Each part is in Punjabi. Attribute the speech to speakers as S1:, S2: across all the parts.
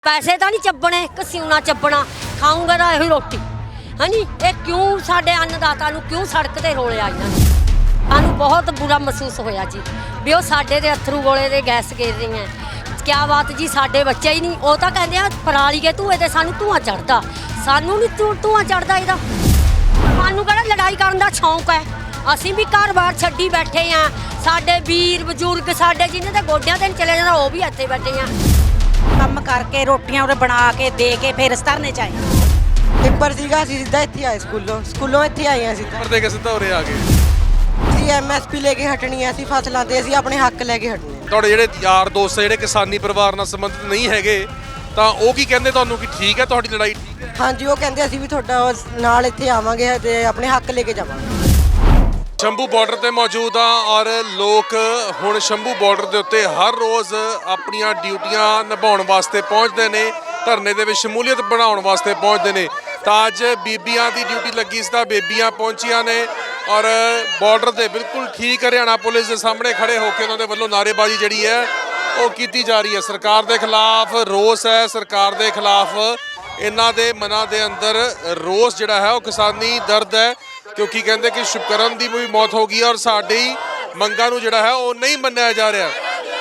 S1: पैसे तो नहीं ਚੱਬਣੇ ਘਸਿਉਣਾ ਚੱਬਣਾ ਖਾਊਂਗਾ ਤਾਂ ਇਹੀ ਰੋਟੀ ਹਾਂਜੀ ਇਹ ਕਿਉਂ ਸਾਡੇ ਅੰਨਦਾਤਾ ਨੂੰ ਕਿਉਂ ਸੜਕ ਤੇ ਰੋਲਿਆ ਇਹਨਾਂ ਨੇ ਸਾਨੂੰ ਬਹੁਤ ਬੁਰਾ ਮਹਿਸੂਸ ਹੋਇਆ ਜੀ ਵੀ ਉਹ ਸਾਡੇ ਦੇ ਅਥਰੂ ਗੋਲੇ ਦੇ ਗੈਸ ਗੇਰ ਰਹੀਆਂ ਕਿਆ ਬਾਤ ਜੀ ਸਾਡੇ ਬੱਚੇ ਹੀ ਨਹੀਂ ਉਹ ਤਾਂ ਕਹਿੰਦੇ ਆ ਪਰਾਲੀ ਕੇ ਧੂਏ ਤੇ ਸਾਨੂੰ ਧੂਆਂ ਚੜਦਾ ਸਾਨੂੰ ਨਹੀਂ ਧੂਆਂ ਚੜਦਾ ਇਹਦਾ ਸਾਨੂੰ ਕਿਹੜਾ ਲੜਾਈ ਕਰਨ ਦਾ ਸ਼ੌਂਕ ਹੈ ਅਸੀਂ ਵੀ ਘਰ-ਬਾਰ ਛੱਡੀ ਬੈਠੇ ਆ ਸਾਡੇ ਵੀਰ ਬਜ਼ੁਰਗ ਸਾਡੇ ਜਿਨ੍ਹਾਂ ਦੇ ਗੋਡਿਆਂ ਤੇ ਚਲੇ ਜਾਂਦਾ ਉਹ ਵੀ ਇੱਥੇ ਬੈਠੇ ਆ
S2: ਕੰਮ ਕਰਕੇ ਰੋਟੀਆਂ ਉਰੇ ਬਣਾ ਕੇ ਦੇ ਕੇ ਫਿਰ ਧਰਨੇ ਚ ਆਏ
S3: ਪੇਪਰ ਸੀਗਾ ਅਸੀਂ ਸਿੱਧਾ ਇੱਥੇ ਆਏ ਸਕੂਲੋਂ ਇੱਥੇ ਆਏ ਆ ਸਿੱਧਾ
S4: ਪੇਪਰ ਦੇ ਕੇ ਸਿੱਧਾ ਉਰੇ ਆ ਗਏ
S3: ਅਸੀਂ ਐਮਐਸਪੀ ਲੈ ਕੇ ਹਟਣੀ ਆ ਅਸੀਂ ਫਸਲਾਂ ਤੇ ਅਸੀਂ ਆਪਣੇ ਹੱਕ ਲੈ ਕੇ ਹਟਣੇ
S4: ਤੁਹਾਡੇ ਜਿਹੜੇ ਯਾਰ ਦੋਸਤ ਜਿਹੜੇ ਕਿਸਾਨੀ ਪਰਿਵਾਰ ਨਾਲ ਸੰਬੰਧਿਤ ਨਹੀਂ ਹੈਗੇ ਤਾਂ ਉਹ ਕੀ ਕਹਿੰਦੇ ਤੁਹਾਨੂੰ ਕਿ ਠੀਕ ਹੈ ਤੁਹਾਡੀ ਲੜਾਈ ਠੀਕ ਹੈ
S3: ਹਾਂਜੀ ਉਹ ਕਹਿੰਦੇ ਅਸੀਂ ਵੀ ਤੁਹਾਡਾ ਨਾਲ ਇੱਥੇ ਆਵਾਂਗੇ ਤੇ ਆਪਣੇ ਹੱਕ ਲੈ ਕੇ ਜਾਵਾਂਗੇ
S4: ਸ਼ੰਭੂ ਬਾਰਡਰ ਤੇ ਮੌਜੂਦ ਆ ਔਰ ਲੋਕ ਹੁਣ ਸ਼ੰਭੂ ਬਾਰਡਰ ਦੇ ਉੱਤੇ ਹਰ ਰੋਜ਼ ਆਪਣੀਆਂ ਡਿਊਟੀਆਂ ਨਿਭਾਉਣ ਵਾਸਤੇ ਪਹੁੰਚਦੇ ਨੇ ਧਰਨੇ ਦੇ ਵਿੱਚ ਸ਼ਮੂਲੀਅਤ ਬਣਾਉਣ ਵਾਸਤੇ ਪਹੁੰਚਦੇ ਨੇ ਤਾਂ ਅੱਜ ਬੀਬੀਆਂ ਦੀ ਡਿਊਟੀ ਲੱਗੀ ਸੀ ਤਾਂ ਬੀਬੀਆਂ ਪਹੁੰਚੀਆਂ ਨੇ ਔਰ ਬਾਰਡਰ ਦੇ ਬਿਲਕੁਲ ਠੀਕ ਹਰਿਆਣਾ ਪੁਲਿਸ ਦੇ ਸਾਹਮਣੇ ਖੜੇ ਹੋ ਕੇ ਉਹਨਾਂ ਦੇ ਵੱਲੋਂ ਨਾਅਰੇਬਾਜ਼ੀ ਜਿਹੜੀ ਹੈ ਉਹ ਕੀਤੀ ਜਾ ਰਹੀ ਹੈ ਸਰਕਾਰ ਦੇ ਖਿਲਾਫ ਰੋਸ ਹੈ ਸਰਕਾਰ ਦੇ ਖਿਲਾਫ ਇਹਨਾਂ ਦੇ ਮਨਾਂ ਦੇ ਅੰਦਰ ਰੋਸ ਜਿਹੜਾ ਹੈ ਉਹ ਕਿਸਾਨੀ ਦਰਦ ਹੈ ਕਿਉਂਕਿ ਕਹਿੰਦੇ ਕਿ ਸ਼ੁਭਕਰਨ ਦੀ ਵੀ ਮੌਤ ਹੋ ਗਈ ਔਰ ਸਾਡੀ ਮੰਗਾਂ ਨੂੰ ਜਿਹੜਾ ਹੈ ਉਹ ਨਹੀਂ ਮੰਨਿਆ ਜਾ ਰਿਹਾ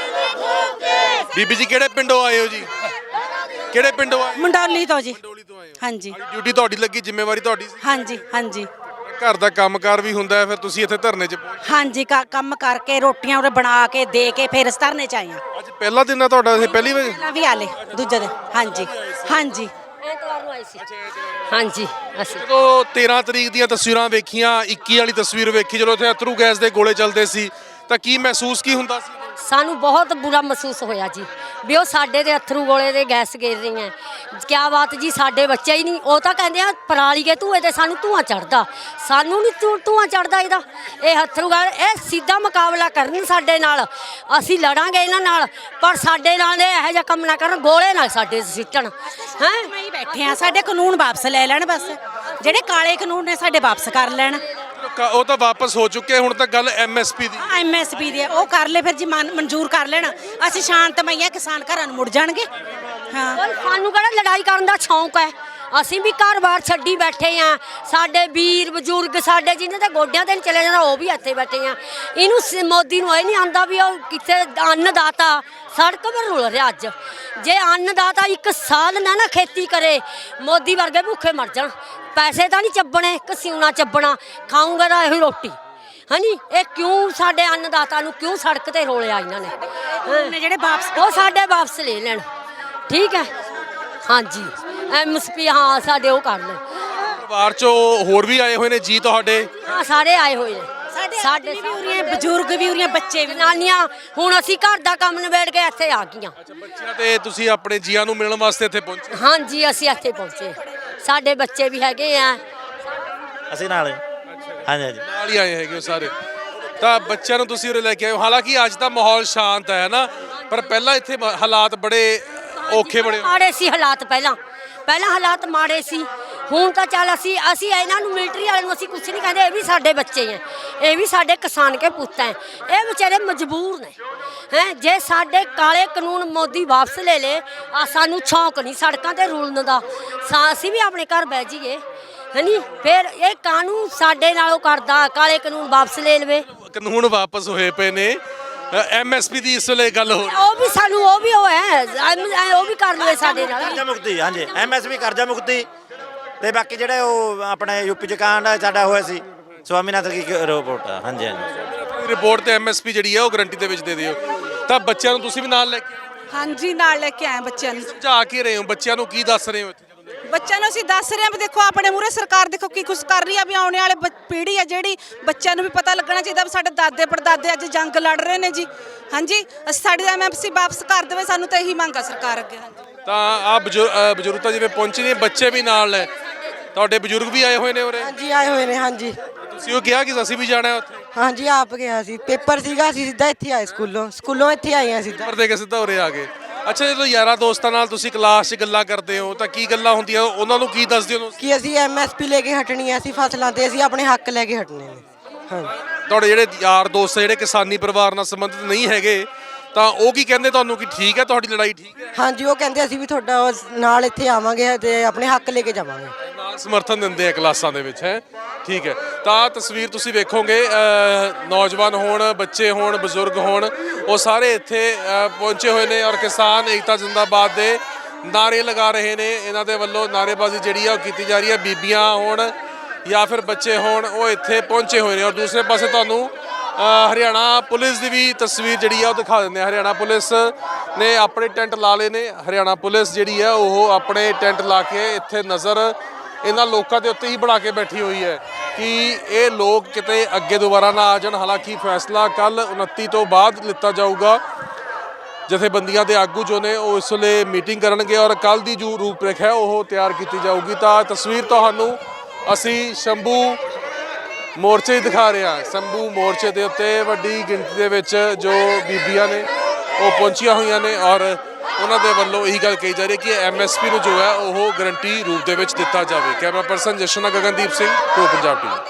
S4: ਬੀਬੀ ਜੀ ਕਿਹੜੇ ਪਿੰਡੋਂ ਆਏ ਹੋ ਜੀ ਕਿਹੜੇ ਪਿੰਡੋਂ ਆਏ
S2: ਮੰਡੋਲੀ ਤੋਂ ਜੀ
S4: ਮੰਡੋਲੀ ਤੋਂ ਆਏ ਹੋ
S2: ਹਾਂਜੀ
S4: ਡਿਊਟੀ ਤੁਹਾਡੀ ਲੱਗੀ ਜ਼ਿੰਮੇਵਾਰੀ ਤੁਹਾਡੀ ਸੀ
S2: ਹਾਂਜੀ ਹਾਂਜੀ
S4: ਘਰ ਦਾ ਕੰਮਕਾਰ ਵੀ ਹੁੰਦਾ ਹੈ ਫਿਰ ਤੁਸੀਂ ਇੱਥੇ ਧਰਨੇ 'ਚ ਪਹੁੰਚੇ
S2: ਹਾਂਜੀ ਕੰਮ ਕਰਕੇ ਰੋਟੀਆਂ ਉਰੇ ਬਣਾ ਕੇ ਦੇ ਕੇ ਫਿਰ ਧਰਨੇ ਚ ਆਏ ਆ
S4: ਅੱਜ ਪਹਿਲਾ ਦਿਨ ਆ ਤੁਹਾਡਾ ਇਹ ਪਹਿਲੀ ਵਾਰ
S2: ਪਹਿਲਾਂ ਵੀ ਆਲੇ ਦੂਜੇ ਦਿਨ ਹਾਂਜੀ ਹਾਂਜੀ
S1: ਐਤਵਾਰ ਨੂੰ ਆਈ ਸੀ ਹਾਂਜੀ ਅਸੀਂ
S4: ਜਦੋਂ 13 ਤਰੀਕ ਦੀਆਂ ਤਸਵੀਰਾਂ ਵੇਖੀਆਂ 21 ਵਾਲੀ ਤਸਵੀਰ ਵੇਖੀ ਜਦੋਂ ਉੱਥੇ ਅਥਰੂ ਗੈਸ ਦੇ ਗੋਲੇ ਚੱਲਦੇ ਸੀ ਤਾਂ ਕੀ ਮਹਿਸੂਸ ਕੀ ਹੁੰਦਾ ਸੀ
S1: ਸਾਨੂੰ ਬਹੁਤ ਬੁਰਾ ਮਹਿਸੂਸ ਹੋਇਆ ਜੀ ਵੀ ਉਹ ਸਾਡੇ ਦੇ ਅਥਰੂ ਗੋਲੇ ਦੇ ਗੈਸ ਗੇਰ ਰਹੀਆਂ ਕਿਆ ਬਾਤ ਜੀ ਸਾਡੇ ਬੱਚੇ ਹੀ ਨਹੀਂ ਉਹ ਤਾਂ ਕਹਿੰਦੇ ਆ ਪਰਾਲੀ ਕੇ ਧੂਏ ਤੇ ਸਾਨੂੰ ਧੂਆਂ ਚੜਦਾ ਸਾਨੂੰ ਨਹੀਂ ਧੂਆਂ ਚੜਦਾ ਇਹਦਾ ਇਹ ਅਥਰੂ ਗੈਸ ਇਹ ਸਿੱਧਾ ਮੁਕਾਬਲਾ ਕਰਨ ਸਾਡੇ ਨਾਲ ਅਸੀਂ ਲੜਾਂਗੇ ਇਹਨਾਂ ਨਾਲ ਪਰ ਸਾਡੇ ਨਾਲ ਇਹ ਇਹੋ ਜਿਹਾ ਕੰਮ ਨਾ ਕਰਨ ਗੋਲੇ ਨਾਲ ਸਾਡੇ ਸਿੱਟਣ ਹੈ
S2: ਮੈਂ ਹੀ ਬੈਠੇ ਆ ਸਾਡੇ ਕਾਨੂੰਨ ਵਾਪਸ ਲੈ ਲੈਣ ਬਸ ਜਿਹੜੇ ਕਾਲੇ ਕਾਨੂੰਨ ਨੇ ਸਾਡੇ ਵਾਪਸ ਕਰ ਲੈਣ
S4: ਉਹ ਤਾਂ ਵਾਪਸ ਹੋ ਚੁੱਕੇ ਹੁਣ ਤਾਂ ਗੱਲ ਐਮਐਸਪੀ ਦੀ
S2: ਐਮਐਸਪੀ ਦੇ ਉਹ ਕਰ ਲੈ ਫਿਰ ਜੀ ਮਨਜ਼ੂਰ ਕਰ ਲੈਣ ਅਸੀਂ ਸ਼ਾਂਤਮਈ ਆ ਕਿਸਾਨ ਘਰਾਂ ਨੂੰ ਮੁੜ ਜਾਣਗੇ ਹਾਂ
S1: ਸਾਨੂੰ ਕਿਹੜਾ ਲੜਾਈ ਕਰਨ ਦਾ ਸ਼ੌਂਕ ਹੈ ਅਸੀਂ ਵੀ ਘਰ-ਬਾਰ ਛੱਡੀ ਬੈਠੇ ਆ ਸਾਡੇ ਵੀਰ ਬਜ਼ੁਰਗ ਸਾਡੇ ਜਿਨ੍ਹਾਂ ਦੇ ਗੋਡਿਆਂ ਤੇ ਚਲੇ ਜਾਂਦਾ ਉਹ ਵੀ ਇੱਥੇ ਬੈਠੇ ਆ ਇਹਨੂੰ ਮੋਦੀ ਨੂੰ ਇਹ ਨਹੀਂ ਆਂਦਾ ਵੀ ਉਹ ਕਿੱਥੇ ਅੰਨਦਾਤਾ ਸੜਕ 'ਤੇ ਰੁਲ ਰਿਹਾ ਅੱਜ ਜੇ ਅੰਨਦਾਤਾ ਇੱਕ ਸਾਲ ਨਾ ਖੇਤੀ ਕਰੇ ਮੋਦੀ ਵਰਗੇ ਭੁੱਖੇ ਮਰ ਜਾਣ ਪੈਸੇ ਤਾਂ ਨਹੀਂ ਚੱਬਣੇ ਘਸਿਉਣਾ ਚੱਬਣਾ ਖਾਊਂਗਾ ਤਾਂ ਇਹੀ ਰੋਟੀ ਹਾਂਜੀ ਇਹ ਕਿਉਂ ਸਾਡੇ ਅੰਨਦਾਤਾ ਨੂੰ ਕਿਉਂ ਸੜਕ ਤੇ ਰੋਲਿਆ ਇਹਨਾਂ ਨੇ
S2: ਜਿਹੜੇ ਵਾਪਸ
S1: ਉਹ ਸਾਡੇ ਵਾਪਸ ਲੈ ਲੈਣ ਠੀਕ ਹੈ ਹਾਂਜੀ ਐਮਐਸਪੀ ਹਾਂ ਸਾਡੇ ਉਹ ਕਰ ਲੈ
S4: ਪਰਿਵਾਰ ਚੋਂ ਹੋਰ ਵੀ ਆਏ ਹੋਏ ਨੇ ਜੀ ਤੁਹਾਡੇ
S1: ਹਾਂ ਸਾਰੇ ਆਏ ਹੋਏ ਨੇ
S2: ਸਾਡੇ ਵੀ ਹੋ ਰਹੀਆਂ ਬਜ਼ੁਰਗ ਵੀ ਹੋ ਰਹੀਆਂ ਬੱਚੇ ਵੀ
S1: ਨਾਨੀਆਂ ਹੁਣ ਅਸੀਂ ਘਰ ਦਾ ਕੰਮ ਨਿਬੇੜ ਕੇ ਇੱਥੇ ਆ ਗਈਆਂ
S4: ਬੱਚਿਆਂ ਤੇ ਤੁਸੀਂ ਆਪਣੇ ਜੀਆਂ ਨੂੰ ਮਿਲਣ ਵਾਸਤੇ ਇੱਥੇ ਪਹੁੰਚੇ
S1: ਹਾਂਜੀ ਅਸੀਂ ਇੱਥੇ ਪਹੁੰਚੇ ਸਾਡੇ ਬੱਚੇ ਵੀ ਹੈਗੇ ਆ
S5: ਅਸੀਂ ਨਾਲ ਹਾਂਜੀ ਹਾਂਜੀ
S4: ਨਾਲ ਹੀ ਆਏ ਹੈਗੇ ਉਹ ਸਾਰੇ ਤਾਂ ਬੱਚਿਆਂ ਨੂੰ ਤੁਸੀਂ ਉਰੇ ਲੈ ਕੇ ਆਏ ਹੋ ਹਾਲਾਂਕਿ ਅੱਜ ਦਾ ਮਾਹੌਲ ਸ਼ਾਂਤ ਹੈ ਨਾ ਪਰ ਪਹਿਲਾਂ ਇੱਥੇ ਹਾਲਾਤ ਬੜੇ ਔਖੇ ਬੜੇ
S1: ਮਾੜੇ ਸੀ ਹਾਲਾਤ ਪਹਿਲਾਂ ਹਾਲਾਤ ਮਾੜੇ ਸੀ ਹੁਣ ਤਾਂ ਚੱਲ ਅਸੀਂ ਇਹਨਾਂ ਨੂੰ ਮਿਲਟਰੀ ਵਾਲਿਆਂ ਨੂੰ ਅਸੀਂ ਕੁਝ ਨਹੀਂ ਕਹਿੰਦੇ ਇਹ ਵੀ ਸਾਡੇ ਬੱਚੇ ਹੈ ਇਹ ਵੀ ਸਾਡੇ ਕਿਸਾਨ ਕੇ ਪੁੱਤ ਹੈ ਇਹ ਵਿਚਾਰੇ ਮਜਬੂਰ ਨੇ ਹੈ ਜੇ ਸਾਡੇ ਕਾਲੇ ਕਾਨੂੰਨ ਮੋਦੀ ਵਾਪਸ ਲੈ ਲੇ ਆ ਸਾਨੂੰ ਸ਼ੌਂਕ ਨਹੀਂ ਸੜਕਾਂ ਤੇ ਰੁਲਣ ਦਾ ਅਸੀਂ ਵੀ ਆਪਣੇ ਘਰ ਬਹਿ ਜਾਈਏ ਹੈਨੀ ਫਿਰ ਇਹ ਕਾਨੂੰਨ ਸਾਡੇ ਨਾਲੋਂ ਕਰਦਾ ਕਾਲੇ ਕਾਨੂੰਨ ਵਾਪਸ ਲੈ ਲਵੇ
S4: ਕਾਨੂੰਨ ਵਾਪਸ ਹੋਏ ਪਏ ਨੇ ਐਮਐਸਪੀ ਦੀ ਇਸ ਵੇਲੇ ਗੱਲ ਹੋ
S1: ਉਹ ਵੀ ਸਾਨੂੰ ਉਹ ਵੀ ਉਹ ਵੀ ਕਰ ਲਵੇ ਸਾਡੇ ਨਾਲ
S5: ਕਰਜ਼ਾ ਮੁਕਤੀ ਹਾਂਜੀ ਐਮਐਸਪੀ ਕਰਜ਼ਾ ਮੁਕਤੀ ਤੇ ਬਾਕੀ ਜਿਹੜੇ ਉਹ ਆਪਣੇ ਯੂਪੀ ਚ ਕਾਂਡ ਸਾਡਾ ਹੋਇਆ ਸੀ ਸਵਾਮੀਨਾਥਨ ਦੀ ਰਿਪੋਰਟ ਹਾਂਜੀ ਹਾਂਜੀ
S4: ਰਿਪੋਰਟ ਤੇ ਐਮਐਸਪੀ ਜਿਹੜੀ ਹੈ ਉਹ ਗਰੰਟੀ ਦੇ ਵਿੱਚ ਦੇ ਦਿਓ ਤਾਂ ਬੱਚਿਆਂ ਨੂੰ ਤੁਸੀਂ ਵੀ ਨਾਲ ਲੈ ਕੇ
S6: ਹਾਂਜੀ ਨਾਲ ਲੈ ਕੇ ਆਏ ਬੱਚਿਆਂ ਨੂੰ
S4: ਸਮਝਾ ਕੇ ਰਹੇ ਹੋ ਬੱਚਿਆਂ ਨੂੰ ਕੀ ਦੱਸ ਰਹੇ ਹੋ ਇੱਥੇ
S6: ਬੱਚਿਆਂ ਨੂੰ ਅਸੀਂ ਦੱਸ ਰਹੇ ਹਾਂ ਵੀ ਦੇਖੋ ਆਪਣੇ ਮੂਹਰੇ ਸਰਕਾਰ ਦੇਖੋ ਕੀ ਕੁਝ ਕਰ ਰਹੀ ਆ ਵੀ ਆਉਣੇ ਵਾਲੇ ਪੀੜ੍ਹੀ ਆ ਜਿਹੜੀ ਬੱਚਿਆਂ ਨੂੰ ਵੀ ਪਤਾ ਲੱਗਣਾ ਚਾਹੀਦਾ ਵੀ ਸਾਡੇ ਦਾਦੇ ਪੜਦਾਦੇ ਅੱਜ ਜੰਗ ਲੜ ਰਹੇ ਨੇ ਜੀ ਹਾਂਜੀ ਅਸੀਂ ਸਾਡੀ ਐਮਐਸਪੀ ਵਾਪਸ ਕਰ ਦੇਵੇ ਸਾਨੂੰ ਤਾਂ ਇਹੀ ਮੰਗ ਆ ਸਰਕਾਰ ਅੱਗੇ ਹਾਂਜੀ
S4: ਤਾਂ ਆ ਬਜ਼ੁਰਗ ਤਾਂ ਜਿਵੇਂ ਪਹੁੰਚੇ ਨੇ ਬੱਚੇ ਵੀ ਨਾਲ ਨੇ ਤੁਹਾਡੇ ਬਜ਼ੁਰਗ ਵੀ ਆਏ ਹੋਏ ਨੇ ਉਰੇ
S3: ਹਾਂਜੀ ਆਏ ਹੋਏ ਨੇ ਹਾਂਜੀ
S4: ਤੁਸੀਂ ਉਹ ਕਿਹਾ ਕਿ ਅਸੀਂ ਵੀ ਜਾਣਾ ਉੱਥੇ
S3: ਹਾਂਜੀ ਆਪ ਗਿਆ ਸੀ ਪੇਪਰ ਸੀਗਾ ਅਸੀਂ ਸਿੱਧਾ ਇੱਥੇ ਆਏ ਸਕੂਲੋਂ ਇੱਥੇ ਆਏ ਆ ਸਿੱਧਾ
S4: ਪੇਪਰ ਦੇ ਕੇ ਸਿੱਧਾ ਉਰੇ ਆ ਗਏ ਅੱਛਾ ਜਦੋਂ ਯਾਰਾਂ ਦੋਸਤਾਂ ਨਾਲ ਤੁਸੀਂ ਕਲਾਸ 'ਚ ਗੱਲਾਂ ਕਰਦੇ ਹੋ ਤਾਂ ਕੀ ਗੱਲਾਂ ਹੁੰਦੀਆਂ ਉਹਨਾਂ ਨੂੰ ਕੀ ਦੱਸਦੇ ਹੋ
S3: ਕਿ ਅਸੀਂ ਐਮਐਸਪੀ ਲੈ ਕੇ ਹਟਣੀ ਆ ਅਸੀਂ ਫਸਲਾਂ ਤੇ ਅਸੀਂ ਆਪਣੇ ਹੱਕ ਲੈ ਕੇ ਹਟਣੇ ਨੇ ਹਾਂ
S4: ਤੁਹਾਡੇ ਜਿਹੜੇ ਯਾਰ ਦੋਸਤ ਜਿਹੜੇ ਕਿਸਾਨੀ ਪਰਿਵਾਰ ਨਾਲ ਸੰਬੰਧਿਤ ਨਹੀਂ ਹੈਗੇ ਤਾਂ ਉਹ ਕੀ ਕਹਿੰਦੇ ਤੁਹਾਨੂੰ ਕਿ ਠੀਕ ਹੈ, ਤੁਹਾਡੀ ਲੜਾਈ ਠੀਕ ਹੈ?
S3: ਹਾਂਜੀ ਉਹ ਕਹਿੰਦੇ ਅਸੀਂ ਵੀ ਤੁਹਾਡਾ ਨਾਲ ਇੱਥੇ ਆਵਾਂਗੇ ਤੇ ਆਪਣੇ ਹੱਕ ਲੈ ਕੇ ਜਾਵਾਂਗੇ।
S4: ਨਾਲ ਸਮਰਥਨ ਦਿੰਦੇ ਆ ਕਲਾਸਾਂ ਦੇ ਵਿੱਚ, ਹੈ ਠੀਕ ਹੈ। ਤਾਂ ਤਸਵੀਰ ਤੁਸੀਂ ਵੇਖੋਗੇ, ਨੌਜਵਾਨ ਹੋਣ, ਬੱਚੇ ਹੋਣ, ਬਜ਼ੁਰਗ ਹੋਣ, ਉਹ ਸਾਰੇ ਇੱਥੇ ਪਹੁੰਚੇ ਹੋਏ ਨੇ ਔਰ ਕਿਸਾਨ ਏਕਤਾ ਜ਼ਿੰਦਾਬਾਦ ਦੇ ਨਾਰੇ ਲਗਾ ਰਹੇ ਨੇ। ਇਹਨਾਂ ਦੇ ਵੱਲੋਂ ਨਾਅਰੇਬਾਜ਼ੀ ਜਿਹੜੀ ਆ ਉਹ ਕੀਤੀ ਜਾ ਰਹੀ ਹੈ। ਬੀਬੀਆਂ ਹੋਣ ਜਾਂ ਫਿਰ ਬੱਚੇ ਹੋਣ, ਉਹ ਇੱਥੇ ਪਹੁੰਚੇ ਹੋਏ ਨੇ। ਔਰ ਦੂਸਰੇ ਪਾਸੇ ਤੁਹਾਨੂੰ ਹਰਿਆਣਾ ਪੁਲਿਸ ਦੀ ਵੀ ਤਸਵੀਰ ਜਿਹੜੀ ਆ ਉਹ ਦਿਖਾ ਦਿੰਦੇ ਆ। ਹਰਿਆਣਾ ਪੁਲਿਸ ਨੇ ਆਪਣੇ ਟੈਂਟ ਲਾ ਲਏ ਨੇ। ਹਰਿਆਣਾ ਪੁਲਿਸ ਜਿਹੜੀ ਆ ਉਹ ਆਪਣੇ ਟੈਂਟ ਲਾ ਕੇ ਇੱਥੇ ਨਜ਼ਰ ਇਹਨਾਂ ਲੋਕਾਂ ਦੇ ਉੱਤੇ ਹੀ ਬਣਾ ਕੇ ਬੈਠੀ ਹੋਈ ਹੈ ਕਿ ਇਹ ਲੋਕ ਕਿਤੇ ਅੱਗੇ ਦੁਬਾਰਾ ਨਾ ਆ ਜਾਣ। ਹਾਲਾਂਕਿ ਫੈਸਲਾ ਕੱਲ 29 ਤੋਂ ਬਾਅਦ ਲਿੱਤਾ ਜਾਊਗਾ। ਜਥੇਬੰਦੀਆਂ ਦੇ ਆਗੂ ਜੋ ਨੇ ਉਹ ਇਸ ਵੇਲੇ ਮੀਟਿੰਗ ਕਰਨਗੇ ਔਰ ਕੱਲ ਦੀ ਜੋ ਰੂਪਰੇਖਾ ਹੈ ਉਹ ਤਿਆਰ ਕੀਤੀ ਜਾਊਗੀ। ਤਾਂ ਤਸਵੀਰ ਤੁਹਾਨੂੰ ਅਸੀਂ ਸ਼ੰਭੂ ਮੋਰਚੇ ਹੀ ਦਿਖਾ ਰਹੇ ਹਾਂ। ਸ਼ੰਭੂ ਮੋਰਚੇ ਦੇ ਉੱਤੇ ਵੱਡੀ ਗਿਣਤੀ ਦੇ ਵਿੱਚ ਜੋ ਬੀਬੀਆਂ ਨੇ ਉਹ ਪਹੁੰਚੀਆਂ ਹੋਈਆਂ ਨੇ ਔਰ ਉਹਨਾਂ ਦੇ ਵੱਲੋਂ ਇਹੀ ਗੱਲ ਕਹੀ ਜਾ ਰਹੀ ਹੈ ਕਿ MSP ਨੂੰ ਜੋ ਹੈ ਉਹ ਗਰੰਟੀ ਰੂਪ ਦੇ ਵਿੱਚ ਦਿੱਤਾ ਜਾਵੇ। Camera person Jashan Gagandeep Singh, pro Punjab TV.